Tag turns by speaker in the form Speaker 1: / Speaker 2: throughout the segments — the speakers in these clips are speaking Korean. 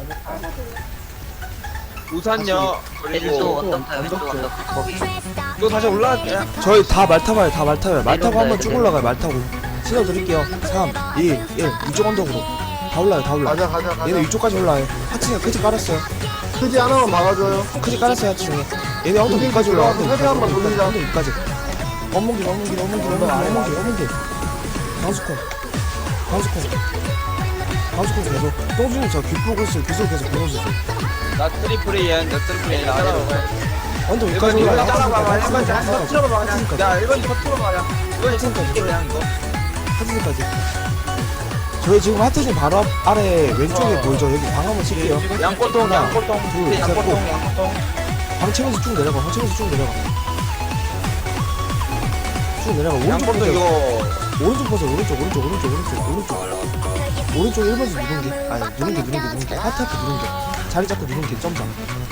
Speaker 1: 우산요.
Speaker 2: 왼쪽
Speaker 1: 그리고
Speaker 2: 왼쪽 언덕 거기
Speaker 1: 이거 다시 올라갈게요.
Speaker 3: 저희 다 말 타봐요. 다 말 타요. 말 타고 한번 쭉 올라가요. 말 타고. 신호 드릴게요. 3, 2, 1. 이쪽 언덕으로. 다 올라요. 다 올라.
Speaker 4: 가자.
Speaker 3: 얘네 이쪽까지 올라요. 하층에 크지 깔았어요.
Speaker 4: 크지 하나만 막아줘요.
Speaker 3: 크지 깔았어요. 하층에. 얘네 언덕 위까지 올라. 언덕
Speaker 4: 헤드 한번 돌리자.
Speaker 3: 언덕 위까지. 어몽길. 방수콘 계속. 똥주님 저 귀 보고 있어요. 귀속 계속 보여주세요.
Speaker 1: 나 트리플이야. 따라와.
Speaker 3: 언덕 위까지 올라요.
Speaker 1: 따라와봐. 1번 잘
Speaker 3: 하층까지.
Speaker 1: 터트려봐 그냥.
Speaker 3: 하층까지.
Speaker 1: 야 1번 터트려봐 그냥. 이거 터트릴게 그냥 이거.
Speaker 3: 하층까지. 저희 지금 하트진 바로 아래 왼쪽에 보이죠? 여기 방 한번 칠게요.
Speaker 1: 양꼬통.
Speaker 3: 둘, 셋,
Speaker 1: 양꼬통.
Speaker 3: 방 치면서 쭉 내려가. 쭉 내려가. 오른쪽
Speaker 1: 양꼬통
Speaker 3: 보세요.
Speaker 1: 이거.
Speaker 3: 오른쪽 보세요. 오른쪽 1번씩 누른 게. 아니, 누른 게. 하트 앞에 누른 게. 자리 잡고 누른 게. 점점.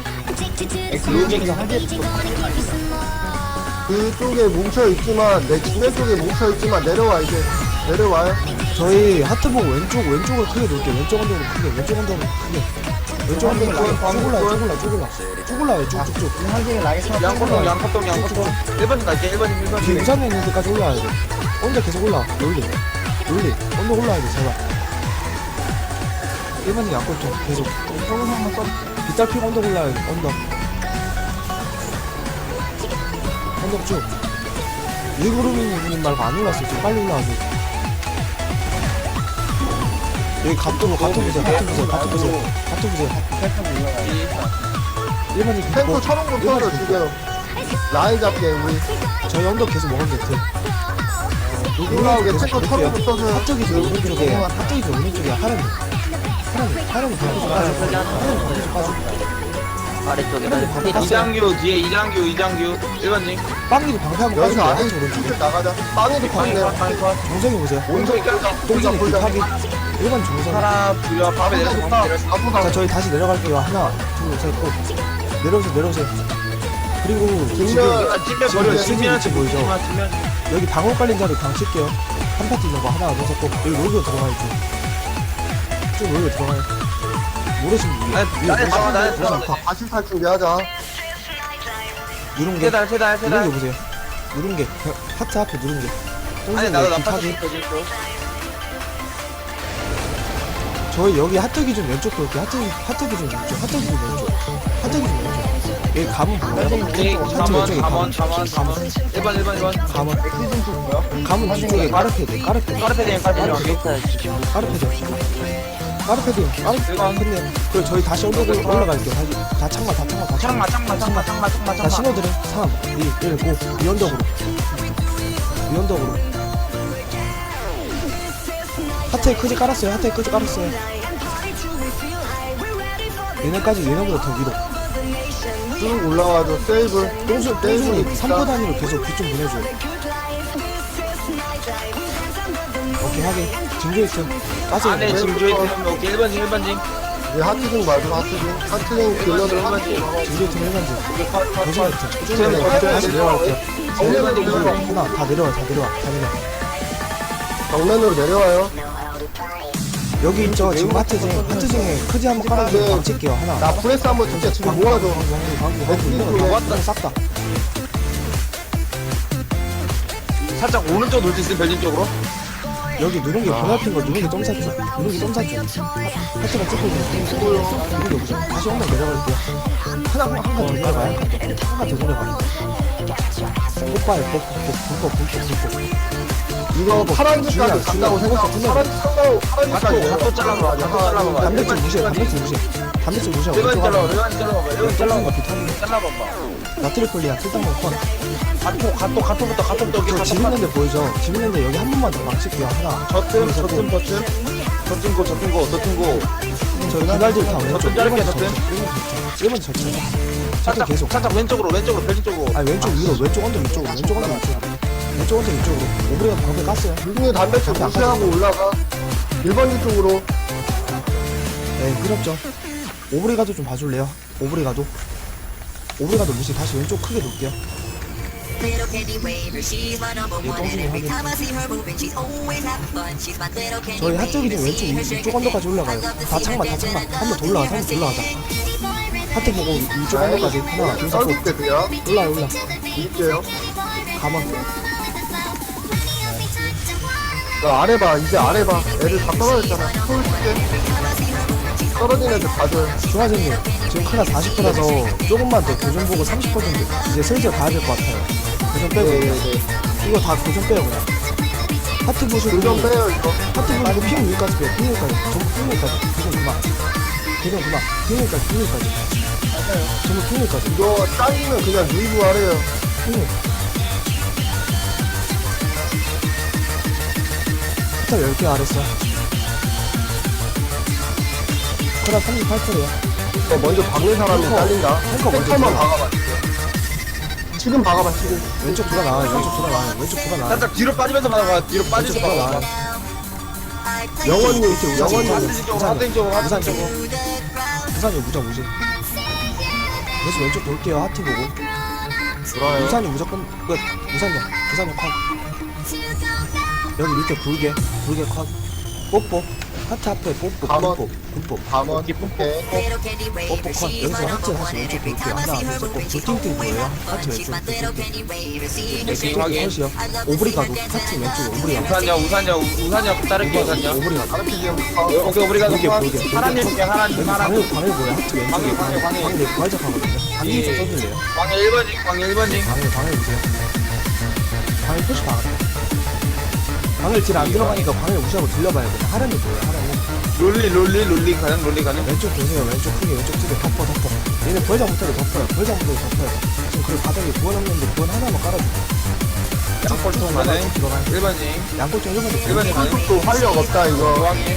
Speaker 4: 그쪽에 뭉쳐있지만 내 지면 쪽에 뭉쳐있지만 내려와 이제. 내려와요.
Speaker 3: 저희 하트 보고 왼쪽을 크게 놓을게요. 왼쪽 언덕으로 크게. 왼쪽 언덕으로 쭉 올라요. 쭉쭉쭉.
Speaker 1: 양꼬통. 1번 갈게. 1번.
Speaker 3: 뒤에 우산에 있는 데까지 올라와야 돼. 언덕 계속 올라와. 롤리. 언덕 올라와야 돼, 제발. 1번이 양꼬통 계속. 빗달 피고 언덕 올라와야 돼, 언덕 쭉. 일그루밍님 말고 안 올랐어요. 지금 빨리 올라와서. 여기 갓도 보세요. 1번이
Speaker 4: 탱크 천원 붙어서 지금 라인 잡게 우리.
Speaker 3: 저희 언덕 계속 먹으면 돼.
Speaker 4: 올라오게 탱크 천원 붙어서.
Speaker 3: 합적이 좀 오른쪽에 하람이 방금 좀 빠져.
Speaker 2: 아래쪽에
Speaker 1: 이장규 뒤에 이장규 1번님.
Speaker 3: 빵이도 방패하고
Speaker 4: 여기서
Speaker 3: 빠지고
Speaker 4: 안에
Speaker 3: 한쪽 오른쪽에.
Speaker 4: 쭉 나가자. 빵에도 광내.
Speaker 3: 정성이 보세요.
Speaker 4: 온종이 껴서.
Speaker 3: 똥진이
Speaker 4: 불자.
Speaker 3: 빅하기 1번 정성.
Speaker 1: 하나 부여 밥에 내려서
Speaker 3: 자 저희 다시 내려갈게요. 하나 둘셋고 내려오세요. 그리고 지금
Speaker 1: 찔려 버려.
Speaker 3: 시즌 보이죠? 여기 방울 깔린 자리 방 칠게요. 한 파티 있는 거 하나 둘셋고 여기 로이로 들어가야죠. 쭉 로이로 들어가요. 모르시는 분
Speaker 1: 나에
Speaker 4: 다시 탈 준비하자.
Speaker 3: 누른 게
Speaker 1: 세달
Speaker 3: 누른 게 보세요. 누른 게 하트 앞에 누른 게
Speaker 1: 아니
Speaker 3: 똥진이
Speaker 1: 나도
Speaker 3: 빅하기.
Speaker 1: 나빠졌어.
Speaker 3: 저희 여기 하트 기준 왼쪽 볼게요. 하트 기준 왼쪽. 여기 감은 보여요? 하트 왼쪽에 감은.
Speaker 1: 1번.
Speaker 3: 감은 뒤쪽에 까르페드.
Speaker 1: 까르페디엠
Speaker 3: 까르페드. 그리고 저희 다시 올라갈게요. 다 창마. 자 신호들은 3, 2, 1, 고. 위언덕으로. 하트에 크지 깔았어요. 얘네보다 더 위로.
Speaker 4: 쭉 올라와줘. 세이브.
Speaker 3: 똥순이 3포 단위로 계속 귀 좀 보내줘요. 오케이 하게. 징조 있음. 빠져.
Speaker 1: 안에 징조에 들어오면 오케이 1번징.
Speaker 4: 이제 하트징 말고 하트징 딜러들
Speaker 3: 징조 있음 1번지. 조심했죠. 다시 내려갈게요. 하나 다 내려와.
Speaker 4: 정면으로 내려와요.
Speaker 3: 여기 있죠. 지금 하트징에 크지 한번 깔아주고 방 칠게요. 하나.
Speaker 4: 나 프레스 한번 진짜 지금 모아줘.
Speaker 3: 왔다. 싹다.
Speaker 1: 살짝 오른쪽 돌 수 있으면 별진 쪽으로.
Speaker 3: 여기 누른 게 보살핀 거 누른 게 점사죠. 하트가 찍고 있는 누른 게 보죠. 다시 엉덩이 내려갈게요. 한칸 더 내려가요. 뽑아요.
Speaker 4: 이거 파란 집까지 간다고 생각하고
Speaker 1: 갓도 잘라봐.
Speaker 3: 단백질 무시해.
Speaker 1: 1번 잘라봐. 1번 잘라봐.
Speaker 3: 나트리폴리아 쓸데없는 컨.
Speaker 1: 갓도
Speaker 3: 저 집 있는데 보이죠? 집 있는데 여기 한 번만 더 망칠게요. 하나.
Speaker 1: 저틈 고.
Speaker 3: 저기 기발들 다 왼쪽.
Speaker 1: 저틈 자를게, 저틈.
Speaker 3: 1번 저쪽. 저쪽 계속.
Speaker 1: 살짝 왼쪽으로 별진 쪽으로.
Speaker 3: 아니 왼쪽 위로. 왼쪽 언덕 위쪽으로. 오브리가 방패 깠어요.
Speaker 4: 유중에 단백질 무시하고 올라가. 1번지 쪽으로.
Speaker 3: 네, 그렇죠. 오브리가도 좀 봐줄래요? 오브리가도 무시 다시 왼쪽 크게 놓을게요. 저희 하트기 좀 왼쪽 이쪽 언더까지 올라가요. 다 창만 한 번 더 올라가자. 한 번 더 올라가자. 하트 보고 이쪽 언더까지 하나 둘 셋
Speaker 4: 썰을게 그냥
Speaker 3: 올라
Speaker 4: 이길게요.
Speaker 3: 가만.
Speaker 4: 나 아래 봐 이제 아래 봐 애들 다 떨어졌잖아. 떨어진 애들 봐줘요.
Speaker 3: 중화진님 지금 클라 40%라서 조금만 더 교정 보고 30% 정도 이제 슬슬 가야 될 것 같아요. 교정 빼고
Speaker 4: 네네네.
Speaker 3: 이거 다 교정 빼요 그냥. 하트 보시고
Speaker 4: 교정 빼요 이거.
Speaker 3: 하트 보시고 핑 위까지 빼요. 핑 위까지 전부 핑 위까지 교정 그만. 핑 위까지 전부 핑 위까지
Speaker 4: 이거 딸리면 그냥 누이브 하래요.
Speaker 3: 핑 위. 하트 10개 아랬어. 클라 38%야.
Speaker 4: 이거 먼저 박는 사람이 잘린다.
Speaker 3: 탱커 먼저
Speaker 4: 탱커만
Speaker 3: 들어가.
Speaker 4: 박아봐. 지금 박아봐 지금.
Speaker 3: 왼쪽 돌아 나와요. 왼쪽 돌아 나와요.
Speaker 1: 살짝 뒤로 빠지면서 받아봐. 뒤로
Speaker 3: 왼쪽
Speaker 1: 빠지면서
Speaker 3: 돌아
Speaker 1: 받아봐.
Speaker 3: 나와요.
Speaker 4: 영원님
Speaker 1: 하트
Speaker 4: 영원님
Speaker 1: 쪽으로 하트 쪽으로 하트
Speaker 3: 부산
Speaker 1: 쪽으로.
Speaker 3: 쪽으로 부산이 무적 무지. 그래서 왼쪽 볼게요. 하트 보고.
Speaker 4: 돌아요.
Speaker 3: 부산이 무조건 끝. 부산이 컷. 여기 밑에 붉게 컷. 뽀뽀. 하트 앞에 뽀뽀.
Speaker 4: 가만.
Speaker 3: 뽀뽀.
Speaker 4: 밤은 오케이.
Speaker 3: 뽀뽀 컷. 여기서 하트 다시 왼쪽 볼게요. 하나 둘셋 띵띵 보여요. 하트 왼쪽. 왼쪽 컷이요. 오브리가도 하트 왼쪽 오브리가.
Speaker 1: 우산이야 따를게 우산이야.
Speaker 3: 오브리가.
Speaker 4: 다른 지금
Speaker 1: 오케이 우리가
Speaker 3: 볼게.
Speaker 1: 하나님 볼게 하나님
Speaker 3: 방을 보여. 하트 왼쪽에 방에 부활작하거든요. 방이 좀 써줄래요?
Speaker 1: 광해 1번징
Speaker 3: 방을 보세요. 방을 표시 박았다. 방을 딜 안 들어가니까 방을 무시하고 들려봐요. 그냥 하람이 보여요. 하람이.
Speaker 1: 롤리 가능.
Speaker 3: 왼쪽 보세요. 왼쪽 크게 왼쪽 집에 덮어. 얘는 부활장 못하게 덮어요. 지금 그리고 바닥에 구원 없는데 구원 하나만 깔아주고.
Speaker 1: 양골통 가능.
Speaker 3: 들어가요.
Speaker 1: 1번징
Speaker 3: 양골 좀 1번에
Speaker 1: 일반인 가능.
Speaker 4: 또 활력 없다 이거.
Speaker 1: 중앙에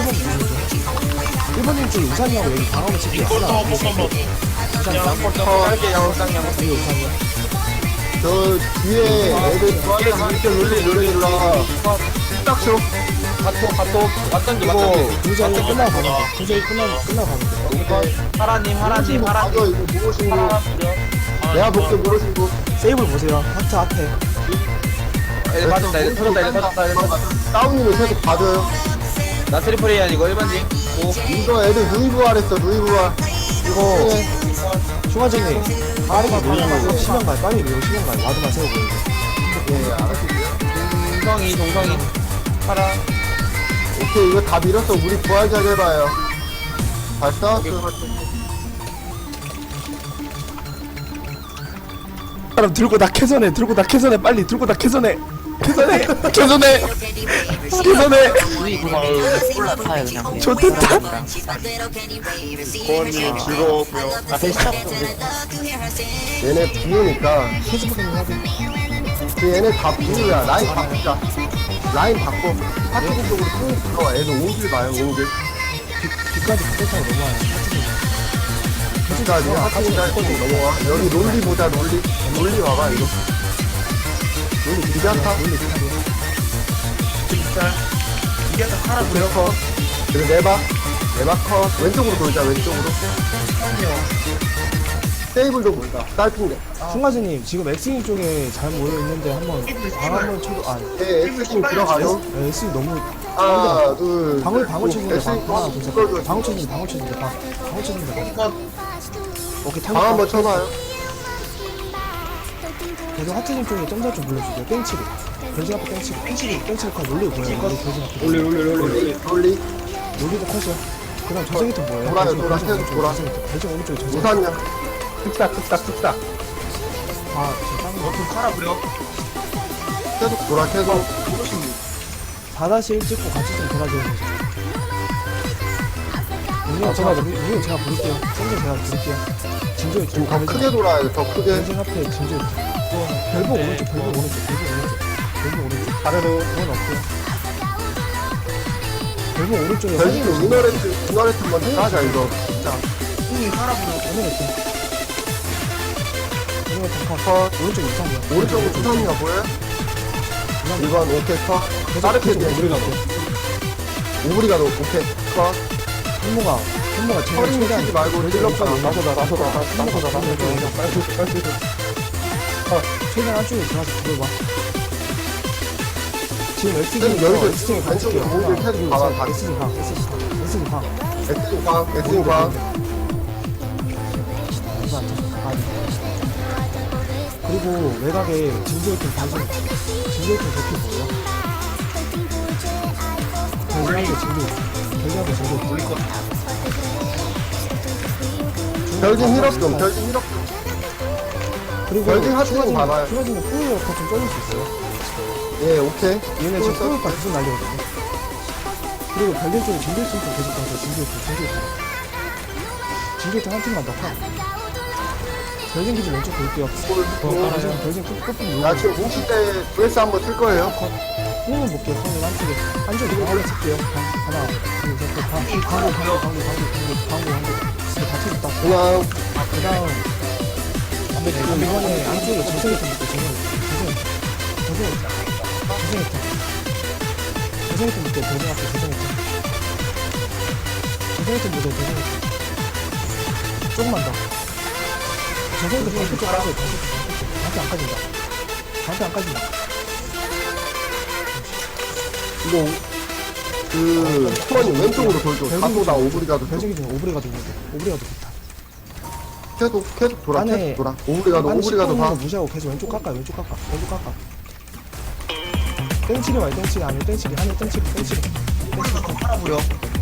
Speaker 3: 1번님 쪽에 우산이하고 여기 방어를 치기 하나. 우산이
Speaker 1: 양골통 짧게 양골당 양골통.
Speaker 3: 위에 우산이요.
Speaker 4: 저 뒤에 애들 좋아하는 이렇게 롤리 딱쇼.
Speaker 1: 가토 왔던지
Speaker 3: 이거 도저히 끝나고 가면 돼. 도저히 끝나고 가면 돼.
Speaker 1: 하라님
Speaker 4: 맞아 이거 무엇인고. 내가 볼게 무엇인고.
Speaker 3: 세이블 보세요. 하트 앞에.
Speaker 1: 애들 맞았다 애들 터졌다
Speaker 4: 다운님을 계속 봐줘요.
Speaker 1: 나 트리플이 아니고 1번징
Speaker 4: 이거 애들 누이브할 했어 누이브할.
Speaker 3: 이거 중화전에 빠르게 밀고 시면 가요. 빨리 밀고 시면 가요. 와드만 세우고.
Speaker 4: 예 알았어.
Speaker 1: 동성이 하라
Speaker 4: 오케이 이거 다 밀었어. 우리 부활작 해봐요. 잘 싸웠어.
Speaker 3: 사람 들고 나 캐선해 빨리 들고 나 캐선해
Speaker 2: 올라타요 그냥.
Speaker 3: 좋겠다.
Speaker 1: 고원님 즐거웠고요
Speaker 4: 얘네 부으니까
Speaker 3: 페이스북에 하든
Speaker 4: 얘네 다 부으야. 라인 바꾸자. 라인 바꿔. 파티브 쪽으로 쭉 들어와. 애들 옹길 봐요 옹길.
Speaker 3: 뒤까지 붙어서 넘어와요.
Speaker 4: 진짜 그냥 파티브가 넘어와. 여기 롤리 보자 롤리 와봐 이거. 롤리 기자타. 하나 부려서 그리고 네바 컷 왼쪽으로 돌자 왼쪽으로. 세이블도 보자. 딸핀데.
Speaker 3: 승가즈님 지금 엑스님 쪽에 잘 모여 있는데 한번 방 한번 쳐도
Speaker 4: 네 X팀 들어가요.
Speaker 3: 엑스님 너무
Speaker 4: 하나 둘.
Speaker 3: 방울 쳐주는데
Speaker 4: X
Speaker 3: 하나 둘셋
Speaker 4: 이걸
Speaker 3: 방울 쳐주는데 오케이
Speaker 4: 방 한번 쳐봐요.
Speaker 3: 계속 하트님 쪽에 점사 좀 불러주세요. 땡치리 변신 앞에 땡치리 컷 롤리 보여요. 롤리 변신 앞에
Speaker 4: 롤리
Speaker 3: 롤리도 컷이요. 그 다음 저승이통 뭐예요?
Speaker 4: 돌아요,
Speaker 3: 변신
Speaker 4: 돌아,
Speaker 3: 오른쪽,
Speaker 4: 계속 돌아.
Speaker 3: 변신 오른쪽에 저승
Speaker 4: 우산이야.
Speaker 3: 아 지금
Speaker 1: 카라 부려
Speaker 4: 계속 돌아 계속.
Speaker 3: 4-1 찍고 같이 좀 돌아줘요. 우리 제가 부를게요. 생전 제가 부를게요. 진조에
Speaker 4: 지금 더 크게 돌아야 돼. 더 크게.
Speaker 3: 변신 앞에 진조에 별복 오른쪽 아래로 그건 없고요. 별복 오른쪽에
Speaker 4: 별진도 이너레트 먼저 하자 이거. 진짜.
Speaker 3: 컷 오른쪽 이상이야.
Speaker 4: 오른쪽으로 우산이가 보여요? 이건 오케이 컷. 다르게
Speaker 3: 우리가
Speaker 4: 오브리가 너 오케이 컷.
Speaker 3: 현모가 제일
Speaker 4: 허리는
Speaker 3: 최대한
Speaker 4: 치지 말고 찔러서 나서다.
Speaker 3: 현모가 최대한 안쪽에 들어가서 들어봐. 지금
Speaker 4: 여기서
Speaker 3: SG에
Speaker 4: 왼쪽에
Speaker 3: 가줄게요.
Speaker 4: 모두 계속 봐봐, 다.
Speaker 3: SG 방.
Speaker 4: 엑스ing 방.
Speaker 3: 이거 안 터져. 그리고 외곽에 진주의팀 대피 뭐예요? 별리하게 진주
Speaker 4: 별진 힐업 좀.
Speaker 3: 그리고
Speaker 4: 별진 하트는 봐봐요.
Speaker 3: 추가지면 포유어파 좀 쫄릴 수 있어요.
Speaker 4: 예, 오케이.
Speaker 3: 얘네 지금 포유어파 계속 날리거든요. 그리고 별진 쪽에 진주의팀 좀 계속 가서 진주의팀 한 팀만 더 파. 별진 기준 왼쪽 볼게요. 별진 끝부분
Speaker 4: 나 지금 공식 때 브레스 한번 쓸 거예요.
Speaker 3: 뽕은 볼게요. 뽕은 안쪽에 하나 칠게요. 하나, 둘, 셋, 넷, 광고. 다 쳐줬다.
Speaker 4: 그냥
Speaker 3: 그 다음 이번에 안쪽에 저승이탄 볼게요. 저승이탄 볼게요. 저승이탄 보세요. 조금만 더. 저승이탄 방패 쪽 까져요. 방패 안 까진다.
Speaker 4: 이거 수원이 왼쪽으로 돌죠. 사도다 오브리가도
Speaker 3: 별쟁이 중에 오브리가도 좋다.
Speaker 4: 계속 돌아.
Speaker 3: 안에
Speaker 4: 계속 돌아. 오브리가도 봐.
Speaker 3: 무시하고 계속 왼쪽 깎아. 땡치리 와요. 땡치리 아니면 땡치리
Speaker 1: 하나 보여.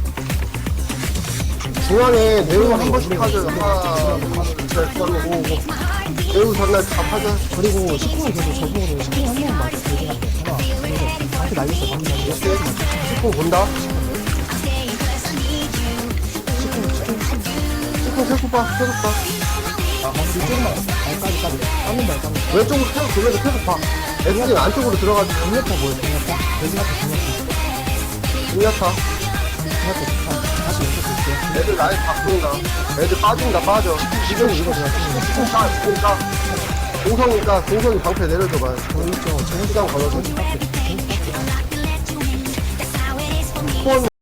Speaker 4: 중앙에 네오 한 번씩 하죠. 하나, 둘, 셋, 네오 전날 다 하죠.
Speaker 3: 그리고 19는 계속 저분으로 19 한 명만 맞아. 하나, 방패 날렸어.
Speaker 4: 19 본다. 19 계속 봐.
Speaker 3: 조금만 까지 깎는다.
Speaker 4: 왼쪽으로 계속 돌면서 계속 봐. 애들이 안쪽으로 들어가지.
Speaker 3: 강력파 뭐예요? 강력파?
Speaker 4: 중야타.
Speaker 3: 다시 왼쪽 볼게요.
Speaker 4: 애들 라인 바꾼다. 애들 빠져. 지금 이거 공성이 방패 내려줘봐요.
Speaker 3: 보이죠?
Speaker 4: 시간 걸어서.